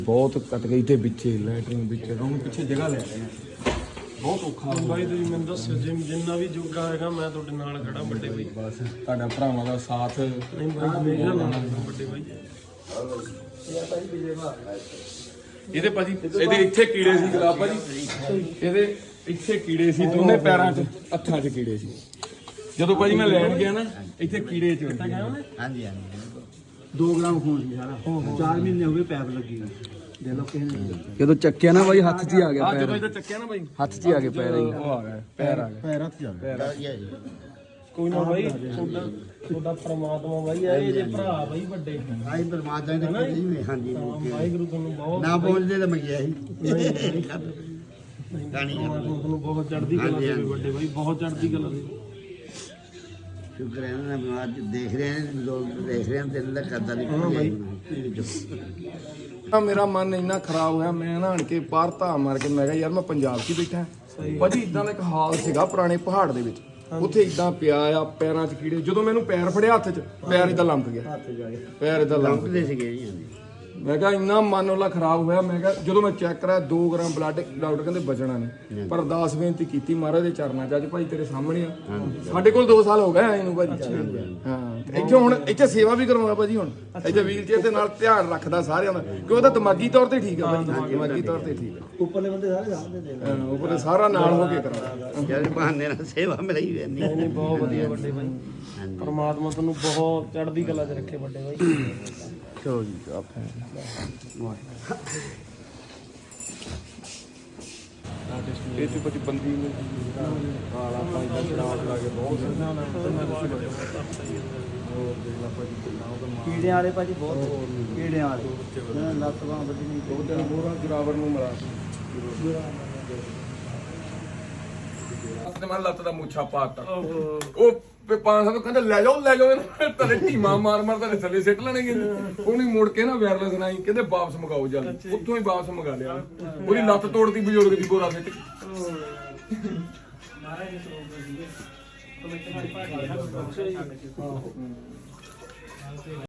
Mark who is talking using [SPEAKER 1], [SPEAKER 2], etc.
[SPEAKER 1] ਬਹੁਤ ਕੱਟ ਗਈ ਤੇ ਪਿੱਛੇ ਲੈਟਰਿੰਗ ਪਿੱਛੇ ਹੁਣ ਪਿੱਛੇ ਜਗ੍ਹਾ ਲੈ ਰਹੇ ਆ ਬਹੁਤ ਔਖਾ
[SPEAKER 2] ਬਾਈ ਤੁਸੀਂ ਮੈਨੂੰ ਦੱਸਿਓ ਜਿੰਨਾ ਵੀ ਜੋਗਾ ਹੈਗਾ ਮੈਂ ਤੁਹਾਡੇ ਨਾਲ ਖੜਾ ਵੱਡੇ ਬਾਈ।
[SPEAKER 1] ਬਸ ਤੁਹਾਡਾ ਭਰਾਵਾਂ ਦਾ ਸਾਥ
[SPEAKER 2] ਨਹੀਂ ਬਾਈ ਮੇਰਾ ਨਾਲ ਵੱਡੇ ਬਾਈ।
[SPEAKER 1] ਇਹਦੇ ਭਾਜੀ ਇਹਦੇ ਇੱਥੇ ਕੀੜੇ ਸੀ ਗੁਲਾਬ ਭਾਜੀ, ਇਹਦੇ ਇੱਥੇ ਕੀੜੇ ਸੀ ਦੋਨੇ ਪੈਰਾਂ 'ਚ ਹੱਥਾਂ 'ਚ ਕੀੜੇ ਸੀ। ਜਦੋਂ ਭਾਜੀ ਮੈਂ ਲੈਣ ਗਿਆ ਨਾ ਇੱਥੇ ਕੀੜੇ ਚ
[SPEAKER 3] ਹਾਂਜੀ 2 ਗ੍ਰਾਮ ਖੂਨ ਸੀ ਸਾਰਾ 4 ਮਹੀਨੇ ਹੋ ਗਏ ਪੈਪ ਲੱਗੀ ਦੇ ਲੋ ਕਿਸੇ ਨੇ
[SPEAKER 1] ਜਦੋਂ ਚੱਕਿਆ ਨਾ ਬਾਈ ਹੱਥ 'ਚ ਹੀ ਆ ਗਿਆ ਪੈਰ। ਜਦੋਂ ਇਹਦਾ ਚੱਕਿਆ ਨਾ ਬਾਈ ਹੱਥ 'ਚ ਹੀ ਆ ਗਿਆ ਪੈਰ। ਉਹ ਆ ਗਿਆ ਪੈਰ ਆ ਗਿਆ
[SPEAKER 3] ਪੈਰ ਹੱਥ ਜਾ ਗਿਆ
[SPEAKER 2] ਕੋਈ ਨਾ ਬਾਈ ਤੁਹਾਡਾ ਪ੍ਰਮਾਤਮਾ ਬਾਈ ਆ ਇਹ ਜੇ ਭਰਾ ਬਾਈ ਵੱਡੇ
[SPEAKER 3] ਆਈ ਪਰਮਾਤਮਾ ਦੇ ਨਹੀਂ ਹਾਂਜੀ
[SPEAKER 2] ਵਾਹਿਗੁਰੂ ਤੁਹਾਨੂੰ ਬਹੁਤ
[SPEAKER 3] ਨਾ ਬੋਲਦੇ ਤਾਂ ਮੰਗਿਆ ਸੀ ਗਾਣੀ
[SPEAKER 2] ਤੁਹਾਨੂੰ ਬਹੁਤ ਚੜ੍ਹਦੀ ਕਲਾ ਦੇਵੇ ਵੱਡੇ ਬਾਈ, ਬਹੁਤ ਚੜ੍ਹਦੀ ਕਲਾ ਦੇਵੇ।
[SPEAKER 3] ਸ਼ੁਕਰ ਹੈ ਨਾ ਅੱਜ ਦੇਖ ਰਹੇ ਨੇ ਲੋਕ ਦੇਖ ਰਹੇ ਨੇ ਦਿਲ ਦਾ ਕਰਦਾ ਨਹੀਂ।
[SPEAKER 1] ਮੇਰਾ ਮਨ ਇੰਨਾ ਖਰਾਬ ਹੋਇਆ ਮੈਂ ਨਹਾਣ ਕੇ ਬਾਹਰ ਧਾ ਮਾਰ ਕੇ ਮੈਂ ਕਿਹਾ ਯਾਰ ਮੈਂ ਪੰਜਾਬ 'ਚ ਹੀ ਬੈਠਾ ਭਾਜੀ। ਇਦਾਂ ਦਾ ਇੱਕ ਹਾਲ ਸੀਗਾ ਪੁਰਾਣੇ ਪਹਾੜ ਦੇ ਵਿੱਚ, ਉੱਥੇ ਇਦਾਂ ਪਿਆ ਆ ਪੈਰਾਂ 'ਚ ਕੀੜੇ। ਜਦੋਂ ਮੈਨੂੰ ਪੈਰ ਫੜਿਆ ਹੱਥ 'ਚ ਪੈਰ ਇਦਾਂ ਲੰਮਕ ਗਿਆ, ਪੈਰ ਇਦਾਂ
[SPEAKER 3] ਲੰਮਕਦੇ ਸੀਗੇ ਜੀ।
[SPEAKER 1] ਮੈਂ ਕਿਹਾ ਇੰਨਾ ਮਨ ਉਹਲਾ ਖਰਾਬ ਹੋਇਆ। ਮੈਂ ਕਿਹਾ ਜਦੋਂ ਮੈਂ ਚੈੱਕ ਕਰਾਇਆ 2 ਗ੍ਰਾਮ ਬਲੱਡ, ਡਾਕਟਰ ਕਹਿੰਦੇ ਬਚਣਾ ਨਹੀਂ। ਪਰ ਅਰਦਾਸ ਬੇਨਤੀ ਕੀਤੀ ਮਹਾਰਾਜ ਦੇ ਚਰਨਾਂ 'ਚ। ਅੱਜ ਭਾਈ ਤੇਰੇ ਸਾਹਮਣੇ ਆ, ਸਾਡੇ ਕੋਲ 2 ਸਾਲ ਹੋ ਗਏ ਆਏ ਨੂੰ ਭਾਜੀ। ਹਾਂ ਇੱਥੇ ਹੁਣ ਇੱਥੇ ਸੇਵਾ ਵੀ ਕਰਵਾਉਂਦਾ ਭਾਜੀ। ਹੁਣ ਇੱਥੇ ਵੀਲ ਚੇਅਰ ਦੇ ਨਾਲ ਧਿਆਨ ਰੱਖਦਾ ਸਾਰਿਆਂ ਦਾ, ਕਿਉਂਕਿ ਉਹਦਾ ਦਿਮਾਗੀ ਤੌਰ ਤੇ ਠੀਕ ਆ ਭਾਜੀ, ਦਿਮਾਗੀ ਤੌਰ ਤੇ ਠੀਕ ਆ।
[SPEAKER 3] ਉੱਪਰਲੇ ਬੰਦੇ ਸਾਰੇ ਸਾਹਮਣੇ ਦੇ
[SPEAKER 1] ਉੱਪਰ ਸਾਰਾ ਨਾਲ ਹੋ ਕੇ ਕਰਾਉਂਦਾ।
[SPEAKER 3] ਜਦ ਬਹਾਨੇ ਨਾਲ ਸੇਵਾ ਮਿਲੀ ਰਹਿੰਦੀ
[SPEAKER 2] ਨਹੀਂ ਬਹੁਤ ਵਧੀਆ ਵੱਡੇ ਬਾਈ। ਪਰਮਾਤਮਾ ਤੁਹਾਨੂੰ ਬਹੁਤ ਚੜ੍ਹਦੀ ਕਲਾ 'ਚ ਰੱਖੇ ਵੱਡੇ ਬਾਈ।
[SPEAKER 1] ਚਲੋ ਜੀ ਆਪੇ ਇਹ ਤੇ ਕੁਝ ਬੰਦੀ ਨੂੰ ਹਾਲ ਆਪਾਂ ਇਦਾਂ ਚੜਾਵ ਲਾ ਕੇ ਬਹੁਤ
[SPEAKER 3] ਕੀੜਿਆਂ ਵਾਲੇ ਭਾਜੀ ਬਹੁਤ ਕੀੜਿਆਂ ਵਾਲੇ ਲੱਤ ਬਾਂਹ ਵੱਡੀ ਨਹੀਂ
[SPEAKER 1] 2 ਦਿਨ ਹੋਰਾਂ ਜਰਾਵਰ ਨੂੰ ਮਿਲਾ ਤੇ ਮੈਂ ਲੱਤ ਦਾ ਮੁੱਛਾ ਪਾਤਾ। ਉਹ 500 ਕਹਿੰਦੇ ਲੈ ਜਾਓ ਤੇਰੇ ਢੀਮਾ ਮਾਰ ਤੁਹਾਡੇ ਥੱਲੇ ਸਿੱਟ ਲੈਣਗੇ। ਉਹਨੇ ਮੁੜ ਕੇ ਨਾ ਵਾਇਰਲੈਸ ਨਹੀਂ ਕਹਿੰਦੇ ਵਾਪਸ ਮੰਗਾਓ ਜਲਦੀ। ਉੱਥੋਂ ਹੀ ਵਾਪਸ ਮੰਗਾ ਲਿਆ। ਉਹਦੀ ਲੱਤ ਤੋੜਤੀ ਬਜ਼ੁਰਗ ਦੀ ਗੋਰਾ ਸਿੱਟ ਕੇ।